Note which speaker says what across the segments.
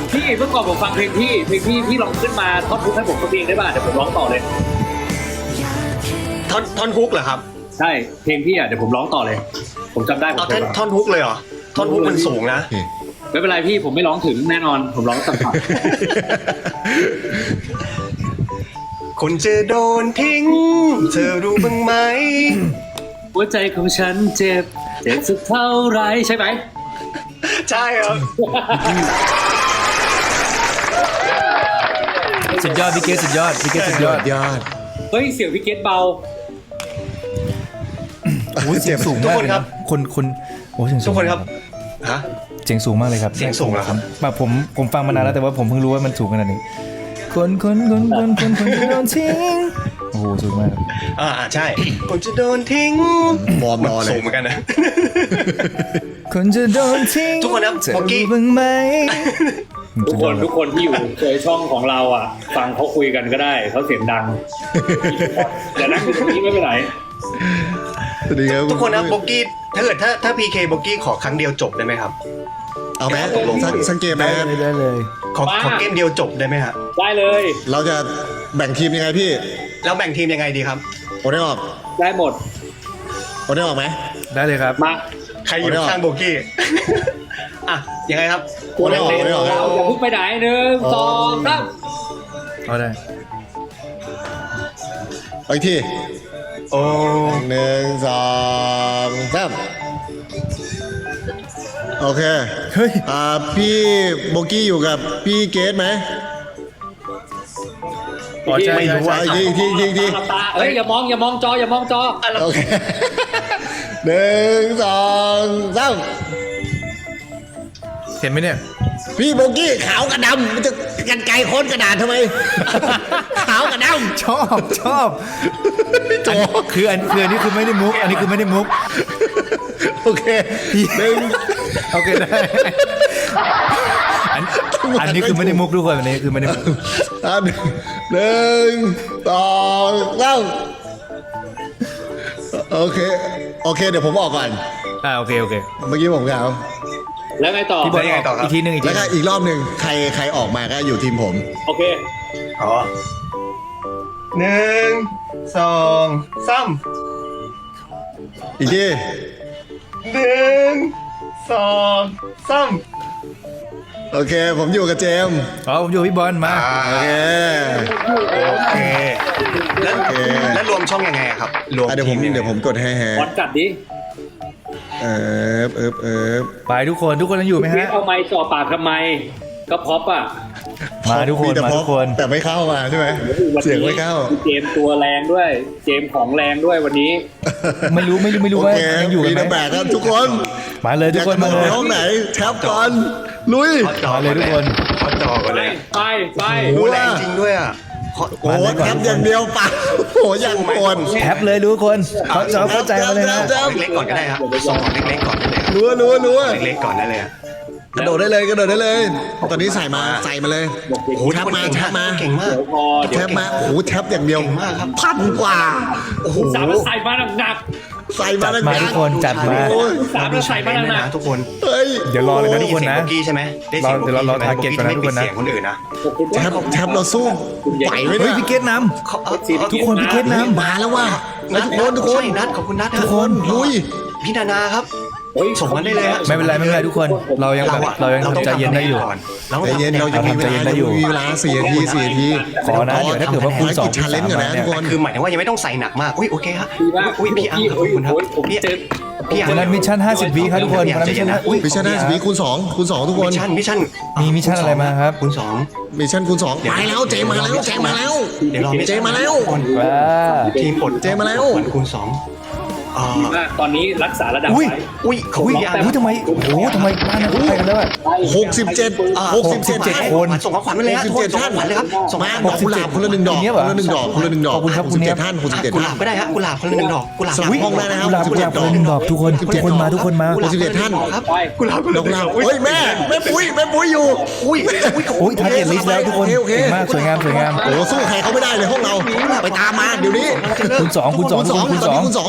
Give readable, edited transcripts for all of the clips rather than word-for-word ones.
Speaker 1: พี่เมื่อก่อนผมฟังเพลงพี่ลองขึ้นมาท่อนฮุกให้ผมสักเพลงได้ป่ะเดี๋ยวผมร้องต่อเลย
Speaker 2: ท่อนฮุกเหรอครับ
Speaker 1: ใช่เพลงพี่อ่ะเดี๋ยวผมร้องต่อเลยผมจำได้ผม
Speaker 2: ท่อนฮุกเลยเหรอท่อนฮุกมันสูงนะ
Speaker 1: ไม่เป็นไรพี่ผมไม่ร้องถึงแน่นอนผมร้องต่ำ
Speaker 2: คนจะโดนทิ้งเธอรู้บ้างไหม
Speaker 1: หัวใจของฉันเจ็บสักเท่าไรใช่ไหม
Speaker 2: ใช่ครับ
Speaker 3: สุดยอดพี่เกศสุดยอดพี่เกศสุดยอด
Speaker 1: เฮ้ยเสียงพี่เกศเบา
Speaker 3: โอ้เสียงสูงมากเลยครับคนโอ้เสียงสูง
Speaker 2: ทุกคนครับฮะ
Speaker 3: เสียงสูงมากเลยครับ
Speaker 2: เสียงสูงเหรอครับ
Speaker 3: แบบผมฟังมานานแล้วแต่ว่าผมเพิ่งรู้ว่ามันสูงขนาดนี้คนจะโดนทิ้งโอ้โหสูงมาก
Speaker 2: ใช่คนจะโดนทิ้ง
Speaker 4: บอมรอเลย
Speaker 2: สูงเหมือนกันนะ
Speaker 3: คนจะโดนทิ้ง
Speaker 2: ทุกคนนะ
Speaker 3: เมื่อกี้บ้างไหม
Speaker 1: ทุกคนที่อยู่เคยช่องของเราอ่ะฟังเขาคุยกันก็ได้เขาเสียงดังแต่นั่งอยู่ตรงนี้ไม่เป็นไร
Speaker 2: ทุกคนนะโบกี้ถ้า PK โบกี้ขอครั้งเดียวจบได้ไหมครับ
Speaker 4: เอาไหมสังเกตไหม
Speaker 3: ได้เลย
Speaker 2: ขอเกมเดียวจบได้ไหมครับ
Speaker 1: ได้เลย
Speaker 4: เราจะแบ่งทีมยังไงพี่
Speaker 2: เราแบ่งทีมยังไงดีครับ
Speaker 4: โอนได้ออก
Speaker 1: ได้หมด
Speaker 4: โอนได้ออกไหม
Speaker 3: ได้เลยครับ
Speaker 1: มา
Speaker 2: ใครอยู่ข้างโบกี้ยังไงครับ
Speaker 1: โอนได้ออกเราจะพุ่งไปไหน1 2 3
Speaker 3: เอาได้
Speaker 4: ไปที่
Speaker 2: โอ้
Speaker 4: 1 2 3โอเค
Speaker 3: เฮ้ย
Speaker 4: พี่โบกี้อยู่กับพี่เกตไหม
Speaker 3: ไม่รู้ว่า
Speaker 4: ที
Speaker 1: เฮ้ยอย่ามองจอ
Speaker 4: โอเค1 2 3
Speaker 3: เห็นไหมเนี่ย
Speaker 4: พี่โบกี้ขาวกับดำมันจะกันไกลโค้นกระดาษทำไมขาวกับดำ
Speaker 3: ชอบคืออันนี้คือไม่ได้มุกอันนี้คือไม่ได้มุก
Speaker 4: โอเค
Speaker 3: โอเคได้อันนี้คือไม่ได้มุกทุกคนอันนี้คือไม่ได้มุก
Speaker 4: 1 2 3โอเคเดี๋ยวผมออกก่อน
Speaker 3: โอเค
Speaker 4: เมื่อกี้ผมกล่าว
Speaker 1: แล้วไงต่อ
Speaker 3: อีกทีนึง
Speaker 4: แล้วก็อีกรอบหนึ่งใครออกมาก็อยู่ทีมผม
Speaker 1: โอเค
Speaker 2: 1 2 3
Speaker 4: อีกที
Speaker 2: 1 2 3โอ
Speaker 4: เคผมอยู่กับเจมส์
Speaker 3: ผมอยู่พี่บอลมา
Speaker 4: โอเค
Speaker 2: แล้วรวมช่องยังไงครับรวม
Speaker 4: เดี๋ยวผมกดให้
Speaker 1: บอลกัดดิ
Speaker 3: ไปทุกคนยังอยู่ไหมฮะ
Speaker 1: เอาไม้จ่อปากทำไมก็พ็อปอ่ะ
Speaker 3: มาทุกคน
Speaker 4: แต่ไม่เข้ามาใช่ไหมเสียงไม่เข้า
Speaker 1: เจมตัวแรงด้วยเจมของแรงด้วยวันนี้
Speaker 3: ไม่รู้ว่ายังอยู่กันไหม
Speaker 4: ครับทุกคน
Speaker 3: มาเลยทุกคนมาเลย
Speaker 4: ห้องไหนแท็บก่อนลุย
Speaker 3: มาเลยทุกคน
Speaker 2: เขาจอกันเลย
Speaker 1: ไป
Speaker 2: โอ้แรงจริงด้วยอ่ะ
Speaker 4: โอ้แท็บอย่างเดียวปะโอ้ยังโอน
Speaker 3: แท็บเลยทุกคนเข้าใจมาเลยนะ
Speaker 2: เล็กๆก่อนก็ได้ครับส่งของเล็กๆก่อนได้เลย
Speaker 4: รัว
Speaker 2: เล็กๆก่อนได้เลย
Speaker 4: กระโดดได้เลยตอนนี้ใส่มาเลยโอ้แท็บมา
Speaker 2: เก่งมาก
Speaker 4: แท็บมาโอ้แท็บอย่างเดียว1,000 กว่า
Speaker 1: โอ้โหใส่มาหนัก
Speaker 4: ใส่มา
Speaker 3: ทุกคนจัดมา
Speaker 1: 3ใส่มาหนัก
Speaker 2: ทุกคน
Speaker 3: เดี๋ยวรอเลยนะทุกคนนะ
Speaker 2: ใช่ไหม
Speaker 3: เดี๋ยวรอทาร์เก็ตก่อนนะทุกคนนะ
Speaker 2: คนอื่นนะ
Speaker 4: แท็บเราสู้ไหวไหม
Speaker 3: เฮ้ยพี่เกตนำทุกคนพี่เกตนำ
Speaker 4: มาแล้วว่ะทุกคน
Speaker 2: นัดขอบคุณนัด
Speaker 4: ทุกคนลุย
Speaker 2: พี่นานาครับส่งมาได้เลย
Speaker 3: ไม่เป็นไรทุกคนเรายังใจเย็นได้อยู่
Speaker 4: ใจเย็นเรายังมีเวลา4 นาที
Speaker 3: ขอนะเดี๋ยวถ้าเกิดว่าคุณ2
Speaker 4: challenge กันนะทุกคน
Speaker 2: คือหมายถึงว่ายังไม่ต้องใส่หนักมากโอเคครับพี่อังขอบคุณครับพี่
Speaker 3: วันนั้นมิชชั่น50 วิครับทุกคนวันนั้น
Speaker 4: มิชชั่น50 วิคูณ 2ทุกคน
Speaker 3: มิชชั่นอะไรมาครับ
Speaker 4: คูณ 2มิชชั่นคูณ 2ไปแล้วเจมาแล้ว
Speaker 2: เดี๋ยวรอ
Speaker 4: เจมาแล้ว
Speaker 2: ทีมอด
Speaker 4: เจมาแล้ว
Speaker 2: คูณ 2
Speaker 1: ตอนนี้รักษาระดับไว้
Speaker 3: ทำไมบ้านนั้นไปกันแล้วอ่ะ
Speaker 4: 67
Speaker 3: คน
Speaker 2: ส่งของขวัญมาเลยครับ
Speaker 4: ท่านเลยครับส่งมาดอกกุหลาบคนละ1 ดอกขอบ
Speaker 3: คุณครับคุณ
Speaker 4: 67 ท่าน
Speaker 2: กุหลาบก็ได้ฮะกุหลาบคนละ1 ดอกกุหลาบ
Speaker 4: ห้องได้นะครับ
Speaker 3: กุหลาบคนละ1 ดอกทุกคนมา
Speaker 4: 67 ท่าน
Speaker 2: ครับกุหลาบ
Speaker 4: ดอกกุหลาบเฮ้ยแม่ปุ้ยอยู่
Speaker 3: ทาร์เก็ตลิสต์แล้วทุกคนเก่งมากสวยงาม
Speaker 4: โอ้สู้ใครเขาไม่ได้เลยห้องเราไปตามมาเดี๋ยวนี้
Speaker 3: คูณ 2
Speaker 4: ส่งอะไรมา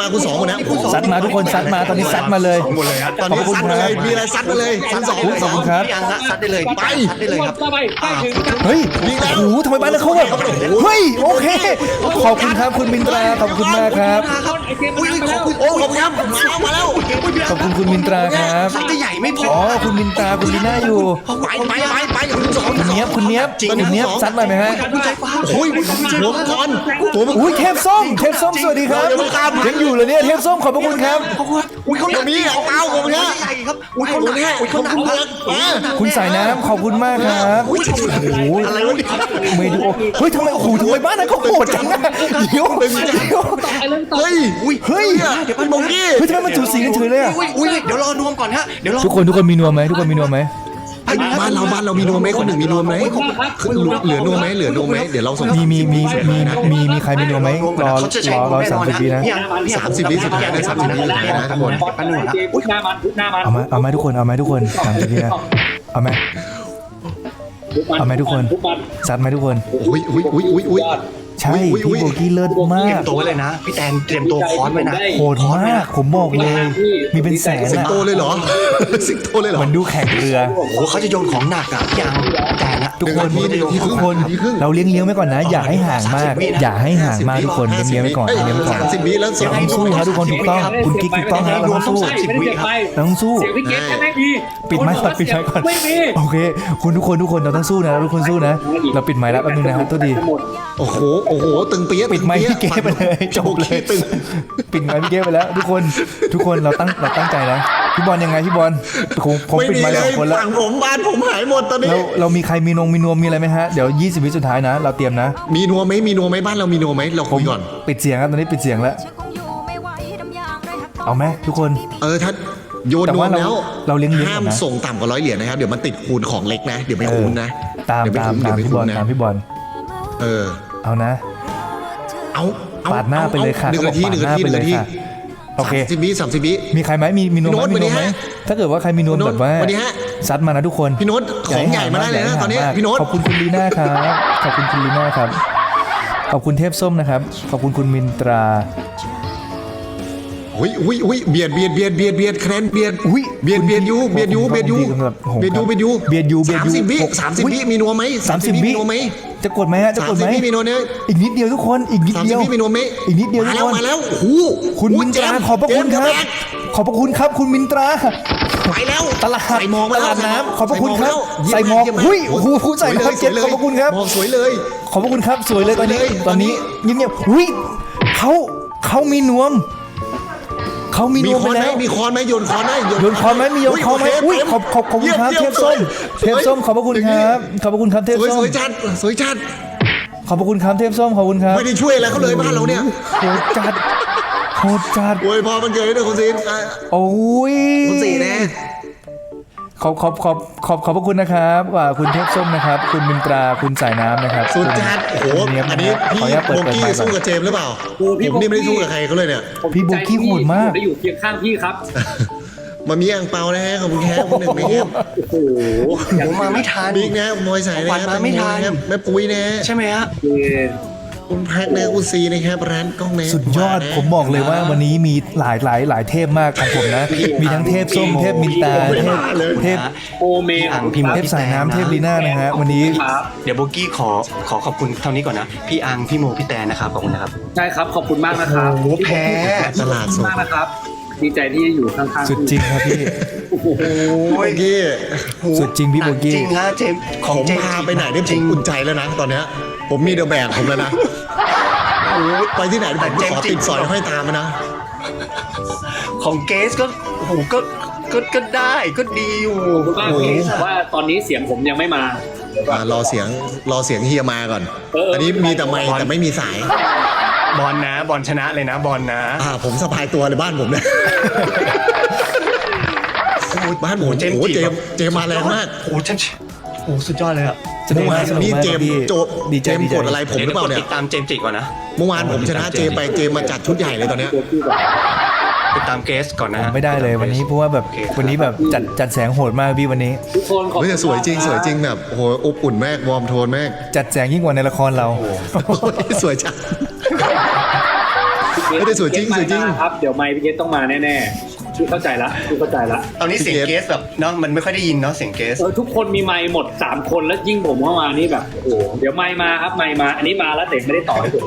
Speaker 4: คุณสองหมดนะ
Speaker 3: ซัดมาทุกคนซัดมาตอนนี้ซัดมาเลย
Speaker 2: หมดเลยฮะ
Speaker 4: ตอนนี้ซัดมาเลยมีอะไรซัดมาเลยซัดสอง
Speaker 3: ขอบคุณครับ
Speaker 2: พี่อังฮะซัดได้เลยไปซัดได้เลยครับ
Speaker 1: ไปถึง
Speaker 3: เฮ้ยโอ้โหทำไมบ้านเขาแบบเฮ้ยโอเคขอบคุณครับคุณมินตราขอบคุณมากครับ
Speaker 2: อุ้ยขอบคุณ
Speaker 4: โอ้ขอบคุณครับมาแล้ว
Speaker 3: ขอบคุณคุณมินตราครับ
Speaker 2: ซัดได้ใหญ่ไม่พอ
Speaker 3: อ๋อคุณมินตราคุณลีน่าอยู่
Speaker 4: ไปคุณสอง
Speaker 3: คุณเนี้ยบคุณเนี้ยบคุณเนี้ยบซัดมาไหมฮะ
Speaker 4: โอ้ยหัวมังกรหัวมังกร
Speaker 3: อุ้ยเทพส้มสวัสดีครับยังอยู่เลยเนี่ยเทพส้มขอบพระคุณครับ
Speaker 2: อุ้ยเขา
Speaker 4: มีเอาเป้าผมเนี่ย
Speaker 2: ใหญ่ครับอุ้ยเขา
Speaker 4: ผมเนี่ย
Speaker 2: เขาหนัก
Speaker 4: ผม
Speaker 2: มา
Speaker 4: เนี่ย
Speaker 2: ก
Speaker 3: คุณสายน้ำขอบคุณมากครับ
Speaker 4: โอ้ยอะไรวะเนี่ย
Speaker 3: ไม่ดูเฮ้ยทำไมโอ้โหทำไมบ้านนั้นเขาโหดจังนะเดี๋ยว
Speaker 4: เฮ้ย
Speaker 3: เฮ้ย
Speaker 2: เดี๋ยวมัน
Speaker 4: โบกี้
Speaker 3: เฮ้ยทำไมมันจูสีกันเฉยเลยอะ
Speaker 2: อุ้ยเดี๋ยวรอนวมก่อนฮะเดี๋ยวรอ
Speaker 3: ทุกคนมีนวมไหมทุกคนมีนวมไหม
Speaker 4: บ้านเรามีนวมไหมคนหนึ่งมีนวมไหมเหลือนวมไหมเหลือนวมไหมเดี๋ยวเราส่ง
Speaker 3: มีใครมีนวมไหมรอ30 วินะ
Speaker 4: 30 วิสุดท้ายนะ30 วิสุดท้ายนะทุกคน
Speaker 1: พุทหน้ามัน
Speaker 3: เอาไหมทุกคน30 วินะเอาไหมเอาไหมทุกคนซัดไหมทุกคน
Speaker 4: อุ้ย
Speaker 3: ใช่พี่โบกี้เลิศมา
Speaker 2: เตรีย
Speaker 3: ก
Speaker 2: มตัวไว้เลยนะพี่แตนเตรียมตัวคอนไว้นะ
Speaker 3: โหดมากผมบอกเลย มีเป็นแสน
Speaker 4: สิง
Speaker 3: อะ
Speaker 4: โตเลยเหรอสิงโตเลยเหรอ
Speaker 3: เหมือนดูแข่งเรือ
Speaker 2: โอ้โหเขาจะโยนของหนักอะพี่อังแต่นะ
Speaker 3: ทุกคนเราเลี้ยงไว้ก่อนนะ อย่าให้ห่างมาก อย่าให้ห่างมากทุกคนเลี้ยงไว้ก่อนเลี้ยงไว้ก่อน
Speaker 4: 30 วิแล้ว
Speaker 3: เราต้องสู้ครับทุกคนถูกต้องคุณกิ๊กถูกต้องครับเราต้องสู้เราต้องสู้
Speaker 1: เสียงพี่เกตแค่ไม่มี
Speaker 3: ปิดไมค์ก่อน
Speaker 1: ไม่มี
Speaker 3: โอเคคุณทุกคนเราต้องสู้นะทุกคนสู้นะเราปิดไมค์แล้วแป๊บนึงนะครับตัวดี
Speaker 4: โอ้โหตึงเปี้ย
Speaker 3: ปิดไมค์พี่เก้ไปเลยจบเลย
Speaker 4: ตึง
Speaker 3: ปิดไมค์พี่เก้ไปแล้ว ทุกคนเราตั้งใจนะพี่บอลยังไงพี่บอลผม
Speaker 4: ไม่
Speaker 3: ปิด
Speaker 4: มี
Speaker 3: ไมค์
Speaker 4: เล
Speaker 3: แล้ว
Speaker 4: ย
Speaker 3: คนละ
Speaker 4: ฝั่งผมบ้านผมหายหมดตอนนี้
Speaker 3: เรามีใครมีนวมมีอะไรไหมฮะเดี๋ยว20 วิสุดท้ายนะ เราเตรียมนะ
Speaker 4: มีนัวไหมบ้านเรามีนัวไหมเราคุยก่อน
Speaker 3: ปิดเสียงครับตอนนี้ปิดเสียงแล้วเอาไหมทุกคน
Speaker 4: ถ้าโยน
Speaker 3: แต่
Speaker 4: นว
Speaker 3: ว่าม
Speaker 4: แล้ว
Speaker 3: เราเลี้ยงก่อนนะ
Speaker 4: ห้ามส่งต่ำกว่า100 เหรียญนะครับเดี๋ยวมันติดคูณของเล็กนะเดี๋ยวไม่คูณนะ
Speaker 3: ตาม
Speaker 4: เดี๋ยวไม่คุ้
Speaker 3: พี่บอล เอานะ
Speaker 4: เอา
Speaker 3: ปาดหน้าไปเลยค่ะ
Speaker 4: 1 นาที
Speaker 3: ปาดหน้าไปเลยค่ะโอเค
Speaker 4: 30 วิ
Speaker 3: มีใครไหมมีนวม
Speaker 4: พี่โน้ต
Speaker 3: ไหม
Speaker 4: วันนี้
Speaker 3: ไหม
Speaker 4: ฮะ
Speaker 3: ถ้าเกิดว่าใครมีนวม
Speaker 4: พี่โน้ต
Speaker 3: แบบว่า
Speaker 4: วันนี้ฮะ
Speaker 3: ซัดมานะทุกคน
Speaker 4: พี่โน้ตของใหญ่มาได้เลยนะตอนนี้พี่โน้ต
Speaker 3: ขอบคุณคุณลีน่าครับขอบคุณคุณลีน่าครับขอบคุณเทพส้มนะครับขอบคุณคุณมินตรา
Speaker 4: อุ้ยเบียดคะแนนเบียด
Speaker 3: อุ้ย
Speaker 4: เบียดยู
Speaker 3: โอ้โห
Speaker 4: 30 วิมีนัวไหม
Speaker 3: 30
Speaker 4: มี
Speaker 3: วิ
Speaker 4: นัวไหม
Speaker 3: จะกดไหมฮะจะกดไหม
Speaker 4: 30 วิมีนัวเนี่ย
Speaker 3: อีกนิดเดียวทุกคนอีกนิดเดียว
Speaker 4: 30 วิมีนัวไหม
Speaker 3: อีกนิดเดียวทุกคน
Speaker 4: มาแล้วโอ้โห
Speaker 3: คุณมินตราขอบพระคุณครับ ขอบพระคุณครับคุณมินตรา
Speaker 4: ไปแล้ว
Speaker 3: ตลาด
Speaker 4: ใส่มอง
Speaker 3: ตลาดน้ำขอบพระคุณครับใส่หมอก
Speaker 4: เยี่ย
Speaker 3: หุ้ยโอ้โหใส่หมอกเก็บขอบพระคุณครับ
Speaker 4: มองสวยเลย
Speaker 3: ขอบพระคุณครับสวยเลยตอนนี้
Speaker 4: สวยเลย
Speaker 3: ตอนนี้เงียบๆหุ้ยเขามีนวมเขามีน
Speaker 4: มี
Speaker 3: วม
Speaker 4: ค
Speaker 3: ไป
Speaker 4: อนไหม
Speaker 3: แล้ว
Speaker 4: มีคอนไหมโยนคอนไหม
Speaker 3: โยนคอนไหมมีโยนคอนไหมอุ้ยขอบคุณครับเทพส้มเทพส้มขอบพระคุณครับขอบพระคุณครับเทพ
Speaker 4: สวย
Speaker 3: ส้
Speaker 4: ส
Speaker 3: ม
Speaker 4: วยจัดสวยจัด
Speaker 3: ขอบพระคุณครับเทพส้มขอบคุณครับ
Speaker 4: ไม่ได้ช่วยอะไรเขาเลยบ้านเราเนี่ย
Speaker 3: โหดจัดโหดจัด
Speaker 4: โอ้ยพอมันเกิดให้ด้วยคุณซีน
Speaker 3: โอ้ย
Speaker 4: คุณซีแน่
Speaker 3: ขอบพระคุณนะครับว่าคุณเทพส้มนะครับ คุณมินตราคุณสายน้ำนะครับ
Speaker 4: สุดจัดโอ้โห
Speaker 3: คุณเยบ
Speaker 4: อัน
Speaker 3: นะ
Speaker 4: นี้
Speaker 3: ครับ
Speaker 4: พี่
Speaker 3: ขออนุญาตเปิด
Speaker 4: โบกี้
Speaker 3: ไมค์ก่
Speaker 4: สู้
Speaker 3: อน
Speaker 4: กับเจมส์หรือเปล่า
Speaker 1: โอ้พี่
Speaker 4: ผมนี่ไม่ได้สู้กับใครเขาเลยเนี่ย
Speaker 3: พี่โบกี้โหดมาก
Speaker 1: ได้อยู่เคียงข้างพี่ครับ
Speaker 4: มามีอ่างเปานะฮะขอบคุณแค่คนหนึ่งนะครับ
Speaker 1: โอ้โห
Speaker 2: ผมมาไม่ทัน
Speaker 4: บิ๊กนะมวยสายนะ
Speaker 2: วันมาไม่ทัน
Speaker 4: แม่ปุ้ยนะ
Speaker 2: ใช่ไหมฮะ
Speaker 4: คุณแพ็กนะคุณซีนะครับร้านกล้องนะ
Speaker 3: สุดยอดผมบอกเลยว่าวันนี้มีหลายเทพมากของผมนะ มีทั้งเทพส้มเทพมินตราเทพ
Speaker 1: โอเม
Speaker 2: พี่อังพี่โม
Speaker 3: เทพสายน้ำเทพลีน่านะฮะวันนี้
Speaker 1: ครับ
Speaker 2: เดี๋ยวโบกี้ขอขอบคุณเท่านี้ก่อนนะพี่อังพี่โมพี่แตนนะครับขอบคุณนะครับ
Speaker 1: ใช่ครับขอบคุณมากนะครับ
Speaker 2: โอ้โหแพ้
Speaker 4: ตลาดสด
Speaker 1: มากนะครับ ดีใจที่อยู่ข้างๆ
Speaker 3: สุดจริงครับพี่
Speaker 4: โบกี้
Speaker 3: สุดจริงพี่โบกี้
Speaker 2: จริงฮะเจมส์ข
Speaker 4: ผ
Speaker 2: อง
Speaker 4: ม
Speaker 2: เจมส์
Speaker 4: พาไปไหนได้ผมอุ่นใจแล้วนะตอนเนี้ยผมมีเดอะแบกผมแล้วนะโอ้ยไปที่ไหนผมขอติดสอยห้อยตามมานะ
Speaker 2: ของเกสก็โอ้โหก็ได้ก็ดีอยู่
Speaker 1: ขอบคุณมากพี่แต่ว่าตอนนี้เสียงผมยังไม่มา
Speaker 4: รอเสียงเฮียมาก่อน อันนี้มีแต่ไมค์แต่ไม่มีสาย
Speaker 2: บอลนะบอลชนะเลยนะบอลนะ
Speaker 4: ผมสะพายตัวเลยบ้านผมเนี่ยบ้านผมเจมมาแรงมาก
Speaker 2: โอ้โหโอ้สุดยอดเลยอะ
Speaker 3: สนุกมากสนุก
Speaker 4: นี่
Speaker 3: มาก
Speaker 4: เจม
Speaker 3: พี่
Speaker 4: ดีเจมกดอะไรผมหรือเปล่าเนี่ย
Speaker 2: ติดตามเจมส์จิก่อนนะ
Speaker 4: เมื่อวานผมชนะเจมไปเจมมาจัดชุดใหญ่เลยตอนเนี้ย
Speaker 2: ติดตามเกสก่อนนะฮะ
Speaker 3: ไม่ได้เลยวันนี้เพราะว่าแบบวันนี้แบบจัดแสงโหดมากพี่วันนี้
Speaker 1: ทุกคนขอบ
Speaker 4: เฮ้
Speaker 1: คุ
Speaker 4: ย
Speaker 1: ณ
Speaker 4: แต่สวยจริงแบบโอ้โหอบอุ่นมากวอร์มโทนมาก
Speaker 3: จัดแสงยิ่งกว่าในละครเรา
Speaker 4: สวยจัง
Speaker 1: ทุกค
Speaker 4: ไม่ได้สวยจริงสวยจริง
Speaker 1: ครับเดี๋ยวไมค์พี่เกสต้องมาแน่ๆพี่เข้าใจละ
Speaker 2: ตอนนี้เสียงเกสแบบเนาะมันไม่ค่อยได้ยินเนาะเสียงเกส
Speaker 1: ทุกคนมีไมค์หมด3คนแล้วยิ่งผมเข้ามานี่แบบโอ้โหเดี๋ยวไมค์มาครับไมค์มาอันนี้มาแล้วแต่ไม่ได้ต่อให้ผม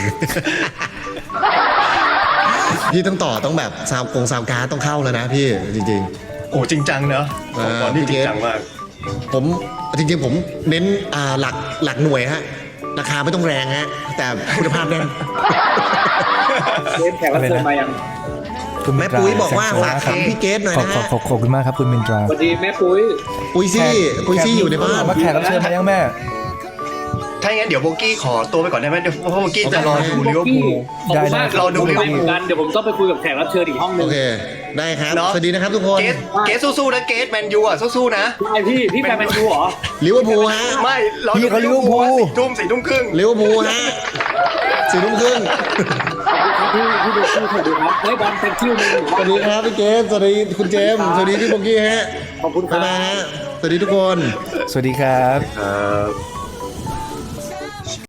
Speaker 4: พี่ต้องต่อต้องแบบซาวการ์ดต้องเข้าแล้วนะพี่จริง
Speaker 2: โอ้จริงจังเนอะตอนนี้จริงจังมาก
Speaker 4: ๆ ผมจริงๆผมเน้นหลักหน่วยฮะราคาไม่ต้องแรงฮะแต่คุณภาพแน่น
Speaker 1: เกสแขกรับเชิญมายัง
Speaker 3: คุณ
Speaker 4: แม่ปุ้ยบอกว่าฝากถามพี่เกสหน่อยนะฮะ
Speaker 3: ขอบคุณมากครับคุณมินตรา
Speaker 1: สวัสดีแม่ปุ้ย
Speaker 4: ปุ้ยซี่อยู่ในบ้าน
Speaker 3: มาแขกรับเชิญมายังแม่
Speaker 2: ถ้าอย่างนั้นเดี๋ยวโบกี้ขอตัวไปก่อนได้ไหมเดี๋ยวเพราะโบกี้จะรอดูลิเวอร์พูล
Speaker 1: ขอบคุณมาก
Speaker 2: ได้รอดู
Speaker 1: ไม่เหมือนกันเดี๋ยวผมต้องไปคุยกับแขกรับเชิญอีกห้องหนึ
Speaker 4: โอง เคได้ครับ
Speaker 2: เนาะ
Speaker 4: สวัสดีนะครับทุกคน
Speaker 2: เกสสู้ๆนะเกสแมนยูอ่ะสู้ๆนะ
Speaker 1: ใช่พี่แฟนแมนยูเหรอ
Speaker 4: ลิเวอร์พูลฮะ
Speaker 2: ไม่เรา
Speaker 3: พี่เขาลิเวอร์พูล
Speaker 2: สี่ทุ่มครึ่ง
Speaker 4: ลิเวอร์พูลฮะ4 ทุ่มครึ่ง
Speaker 1: พี่ดูพี่สวัสดีครับให้บอลเป็นคิวหนึ่ง
Speaker 4: สวัสดีครับพี่เกสสวัสดีคุณเจมส์สวัสดีพี่โบกี้ฮะ
Speaker 1: ขอบคุณค
Speaker 4: บ๊า
Speaker 1: รั
Speaker 4: ยบาย
Speaker 1: บ
Speaker 4: ฮะสวัสดีทุกคน
Speaker 3: สวัสดีครับ
Speaker 2: ครับ